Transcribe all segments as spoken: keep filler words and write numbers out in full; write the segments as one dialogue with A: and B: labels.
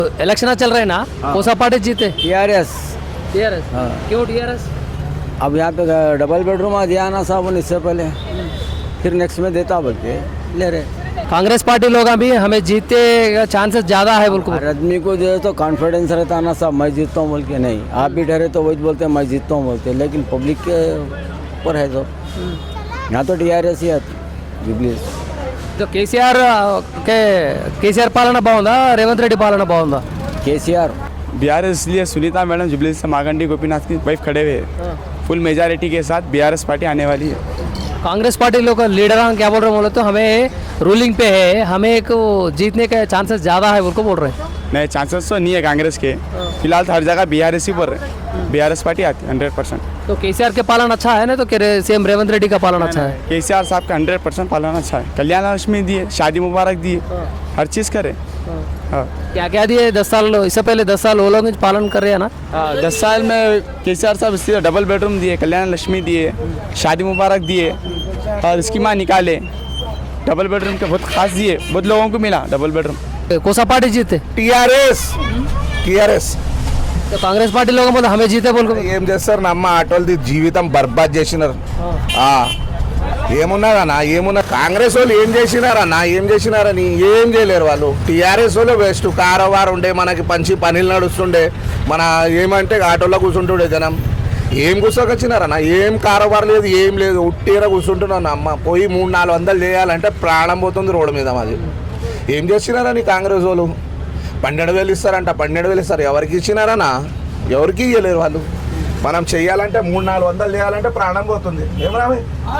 A: Election चल रहे हैं ना, कौन सा पार्टी जीते?
B: टीआरएस।
A: टीआरएस। क्यों टीआरएस?
B: अब यहाँ पे डबल बेडरूम आ दिया ना साहब इससे पहले, फिर नेक्स्ट में देता बोल के ले रहे।
A: कांग्रेस पार्टी लोग अभी हमें जीते का चांसेस ज्यादा है बोल को।
B: हर आदमी को जो है तो कॉन्फिडेंस रहता है ना साहब, मैं जीतता हूँ बोल के। नहीं, आप भी डरे तो वही बोलते हैं मैं जीतता हूँ बोलते, लेकिन पब्लिक के ऊपर है तो यहाँ तो टीआरएस ही आती जुबली।
A: तो కేసీఆర్ के కేసీఆర్ పాలన బాగుందా, రేవంత్ రెడ్డి పాలన బాగుందా?
B: केसीआर।
C: बिहार इसलिए सुनीता मैडम जुबली से मागंडी गोपीनाथ की वाइफ खड़े हुए हैं। फुल मेजॉरिटी के साथ बीआरएस पार्टी आने वाली है।
A: कांग्रेस पार्टी लोग का लीडर क्या बोल रहे हैं बोले तो हमें रूलिंग पे है, हमें एक जीतने के चांसेस ज़्यादा है बोल को बोल रहे हैं।
C: नए चांसेस तो नहीं है कांग्रेस के, फिलहाल तो हर जगह बीआरएस ही बोल रहे हैं। बीआरएस पार्टी आती है हंड्रेड परसेंट।
A: तो केसीआर के पालन अच्छा है ना, तो सीएम रेवंत रेड्डी का पालन अच्छा है?
C: केसीआर साहब का हंड्रेड परसेंट पालन अच्छा है। कल्याण लक्ष्मी दिए, शादी मुबारक दिए, हर चीज़ करे। हाँ,
A: क्या क्या दिए? दस साल इससे पहले दस साल वो लोग पालन कर रहे हैं ना।
C: हाँ, दस साल में केसीआर साहब इसलिए डबल बेडरूम दिए, कल्याण लक्ष्मी दिए, शादी मुबारक दिए और इसकी माँ निकाले। डबल बेडरूम के बहुत खास दिए, बहुत लोगों को मिला डबल बेडरूम।
A: कौन सा पार्टी जीते?
D: టీఆర్ఎస్ టీఆర్ఎస్
A: तो कांग्रेस पार्टी लोग बोले हमें जीते बोल को।
D: ఏం చేస్తారు నమ్మ ఆటోలది జీవితం బర్బాద్ చేసినారు. ఆ ఏమున్నారన్నా, ఏమున్నా కాంగ్రెస్ వాళ్ళు ఏం చేసినారన్నా, ఏం చేసినారని ఏం చేయలేరు వాళ్ళు. టీఆర్ఎస్ వాళ్ళు బెస్ట్, కారోబార్ ఉండే మనకి పంచి పనులు నడుస్తుండే, మన ఏమంటే ఆటోలో కూర్చుంటుండే జనం. ఏం కూర్చోకొచ్చినారన్నా, ఏం కారోబార్ లేదు, ఏం లేదు, ఉట్టీర కూర్చుంటున్నాను. అమ్మ పోయి మూడు నాలుగు వందలు చేయాలంటే ప్రాణం పోతుంది రోడ్డు మీద. మాది ఏం చేసినారని కాంగ్రెస్ వాళ్ళు పన్నెండు వేలు ఇస్తారంట, పన్నెండు వేలు ఇస్తారు. ఎవరికి ఇచ్చినారన్నా, ఎవరికి ఇవ్వలేరు వాళ్ళు. మనం చెయ్యాలంటే మూడు నాలుగు వందలు చేయాలంటే ప్రాణం పోతుంది. ఏం రావి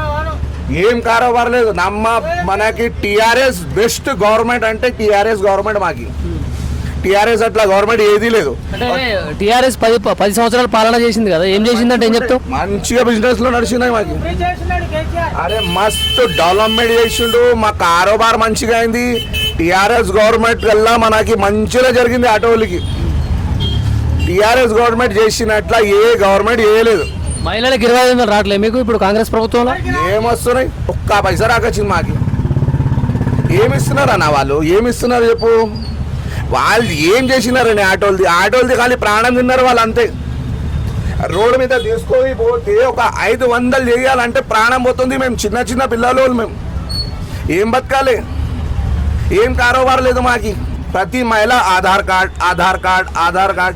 D: ఏం కారోబార్ లేదు. నమ్మ మనకి టీఆర్ఎస్ బెస్ట్ గవర్నమెంట్ అంటే టీఆర్ఎస్ గవర్నమెంట్. మాకి టీఆర్ఎస్ అట్లా గవర్నమెంట్ ఏదీ లేదు.
A: టీఆర్ఎస్ పది పది సంవత్సరాలు పాలన చేసింది కదా, ఏం చేసిందంటే ఏం చెప్తావు?
D: మంచిగా బిజినెస్ లో నడిచినాయి మాకి. అరే మస్తు డెవలప్మెంట్ చేసిండు, మా కారోబార్ మంచిగా అయింది. టీఆర్ఎస్ గవర్నమెంట్ వల్ల మనకి మంచిగా జరిగింది ఆటోలకి. టీఆర్ఎస్ గవర్నమెంట్ చేసినట్ల ఏ గవర్నమెంట్ చేయలేదు.
A: మహిళలకు ఇరవై ఐదు వందలు రావట్లేదు మీకు ఇప్పుడు కాంగ్రెస్ ప్రభుత్వంలో?
D: ఏమొస్తున్నాయి, ఒక్క పైసా రాకొచ్చింది మాకి. ఏమిస్తున్నారు అన్న వాళ్ళు, ఏమిస్తున్నారు చెప్పు. వాళ్ళు ఏం చేసినారని ఆటోలది ఆటోలది ఖాళీ ప్రాణం తిన్నారు వాళ్ళు అంతే. రోడ్డు మీద తీసుకొని పోతే ఒక ఐదు వందలు చేయాలంటే ప్రాణం పోతుంది. మేము చిన్న చిన్న పిల్లలు, మేము ఏం బతకాలి, ఏం కారోబార్ లేదు మాకి. ప్రతి మహిళ Aadhaar card Aadhaar card Aadhaar card.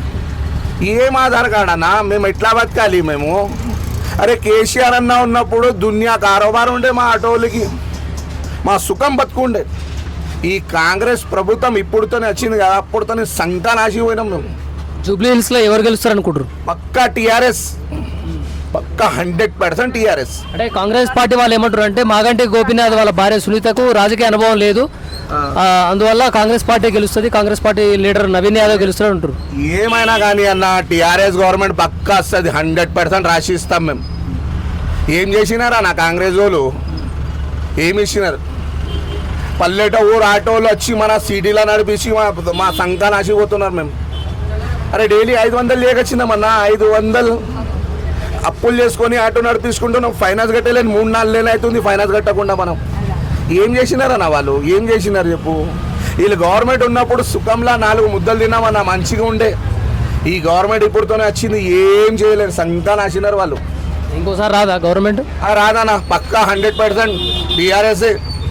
D: ఏం ఆధార్ కార్డ్ అన్నా, మేము ఎట్లా బతకాలి మేము? అరే కేసీఆర్ అన్న ఉన్నప్పుడు దునియా కారోబార్ ఉండే మా ఆటోలకి, మా సుఖం బతుకుండే. ఈ కాంగ్రెస్ ప్రభుత్వం ఇప్పుడుతోనే వచ్చింది కదా, అప్పుడుతోనే సంతా నాశిపోయినాం మేము.
A: జూబ్లీ హిల్స్ లో ఎవరు గెలుస్తారు అనుకుంటారు?
D: పక్కా టీఆర్ఎస్, పక్కా హండ్రెడ్ పర్సెంట్ టీఆర్ఎస్.
A: అంటే కాంగ్రెస్ పార్టీ వాళ్ళు ఏమంటారు అంటే మాగంటి గోపీనాథ్ వాళ్ళ భార్య సునీతకు రాజకీయ అనుభవం లేదు, అందువల్ల కాంగ్రెస్ పార్టీ గెలుస్తుంది, Congress party leader Naveen Yadav గెలుస్తాడు అంటారు.
D: ఏమైనా కానీ అన్న టీఆర్ఎస్ గవర్నమెంట్ పక్కా వస్తుంది, హండ్రెడ్ పర్సెంట్ రాసి ఇస్తాం మేము. ఏం చేసినారా నా కాంగ్రెస్ వాళ్ళు, ఏమి ఇచ్చినారు? పల్లెట ఊరు ఆటోలు వచ్చి మన సిటీలో నడిపించి మా మా సంఘాన్ని నాసిపోతున్నారు మేము. అరే డైలీ ఐదు వందలు లేకొచ్చిందామన్నా, ఐదు వందలు అప్పులు చేసుకొని ఆటో నడిపించుకుంటున్నాం. ఫైనాన్స్ కట్టలేని మూడు నాలుగు నెలలు అవుతుంది ఫైనాన్స్ కట్టకుండా. మనం ఏం చేసినారన్న వాళ్ళు, ఏం చేసినారు చెప్పు. వీళ్ళు గవర్నమెంట్ ఉన్నప్పుడు సుఖంలా నాలుగు ముద్దలు తిన్నామన్నా, మంచిగా ఉండే. ఈ గవర్నమెంట్ ఇప్పుడుతోనే వచ్చింది, ఏం చేయలేదు, సంతా నాసినారు వాళ్ళు.
A: ఇంకోసారి రాదా గవర్నమెంట్?
D: రాదన్నా, పక్కా hundred percent TRS.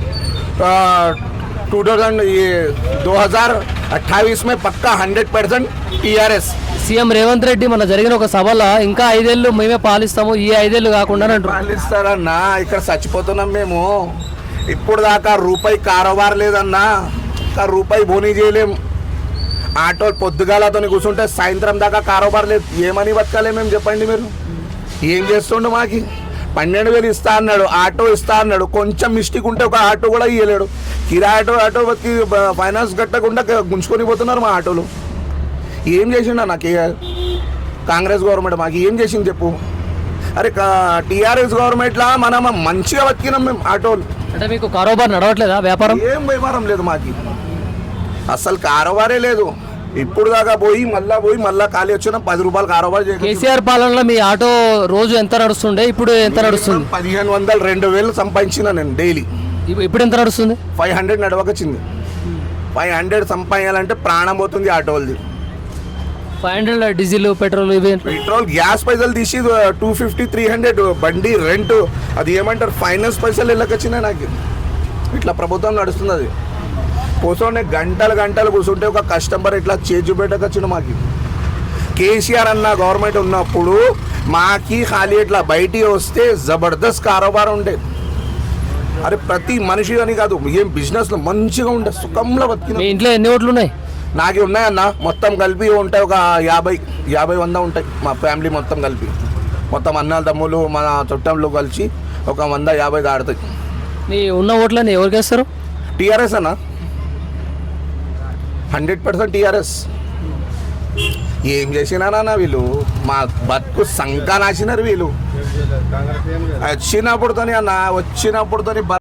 D: Two thousand ये दो हज़ार अट्ठाईस में पक्का hundred percent TRS.
A: CM Revanth Reddy మన జరిగిన ఒక సభలో ఇంకా ఐదేళ్ళు మేమే పాలిస్తాము, ఈ ఐదేళ్ళు కాకుండా
D: పాలిస్తారన్నా. ఇక్కడ చచ్చిపోతున్నాం మేము. ఇప్పుడు దాకా రూపాయి కారోబార్ లేదన్నా, ఇంకా రూపాయి బోనీ చేయలేం. ఆటో పొద్దుగాలతో కూర్చుంటే సాయంత్రం దాకా కారోబార్ లేదు. ఏమని బతకాలే మేము చెప్పండి మీరు? ఏం చేస్తుండు మాకి? పన్నెండు వేలు ఇస్తా అన్నాడు, ఆటో ఇస్తా అన్నాడు. కొంచెం మిస్టేక్ ఉంటే ఒక ఆటో కూడా ఇవ్వలేడు. కిరా ఆటో ఆటో బతికి ఫైనాన్స్ కట్టకుండా గుంజుకొని పోతున్నారు మా ఆటోలు. ఏం చేసిండ నాకు కాంగ్రెస్ గవర్నమెంట్ మాకు ఏం చేసింది చెప్పు. అరే టీఆర్ఎస్ గవర్నమెంట్లా మనం మంచిగా బతికినాం మేము ఆటోలు.
A: అంటే మీకు కారోబార్ నడవట్లేదా? వ్యాపారం
D: ఏం వ్యాపారం లేదు మాకి, అసలు కారోబారే లేదు. ఇప్పుడు దాకా పోయి మళ్ళా పోయి మళ్ళా ఖాళీ వచ్చిన పది రూపాయలు కారోబార్.
A: కేసీఆర్ పాలనలో మీ ఆటో రోజు ఎంత నడుస్తుండే, ఇప్పుడు ఎంత నడుస్తుంది?
D: పదిహేను వందలు రెండు వేలు సంపాదించిన నేను డైలీ.
A: ఇప్పుడు ఎంత నడుస్తుంది?
D: ఫైవ్ హండ్రెడ్ నడవకొచ్చింది. ఫైవ్ హండ్రెడ్ సంపాదించాలంటే ప్రాణం పోతుంది ఆటోలది.
A: ఫైవ్ హండ్రెడ్ డీజిల్ పెట్రోల్ ఇవి
D: పెట్రోల్ గ్యాస్ పైసలు తీసి టూ ఫిఫ్టీ త్రీ హండ్రెడ్ బండి రెంట్, అది ఏమంటారు ఫైనాన్స్ పైసలు వెళ్ళకొచ్చినాయి నాకు. ఇట్లా ప్రభుత్వం నడుస్తుంది. అది కూర్చొని గంటలు గంటలు కూర్చుంటే ఒక కస్టమర్ ఇట్లా చేజు పెట్టకొచ్చిన మాకు. కేసీఆర్ అన్న గవర్నమెంట్ ఉన్నప్పుడు మాకి ఖాళీ ఇట్లా బయటికి వస్తే జబర్దస్త్ కారోబార్ ఉండే. అరే ప్రతి మనిషి అని కాదు, ఏం బిజినెస్లో మంచిగా ఉండే, సుఖంలో బతికిన.
A: మీ ఇంట్లో ఎన్ని ఓట్లు ఉన్నాయి?
D: నాకు ఉన్నాయన్న మొత్తం కలిపి ఉంటాయి ఒక యాభై యాభై వంద ఉంటాయి. మా ఫ్యామిలీ మొత్తం కలిపి, మొత్తం అన్న తమ్ములు మన చుట్టంలో కలిసి ఒక వంద యాభై దాడుతాయి.
A: మీ ఉన్న ఓట్లని ఎవరికి వేస్తారు?
D: టీఆర్ఎస్ అన్న, హండ్రెడ్ పర్సెంట్ టీఆర్ఎస్. ఏం చేసినారన్న వీళ్ళు, మా బతుకు సంకా నాసినారు వీళ్ళు. వచ్చినప్పుడుతోని అన్న వచ్చినప్పుడుతోని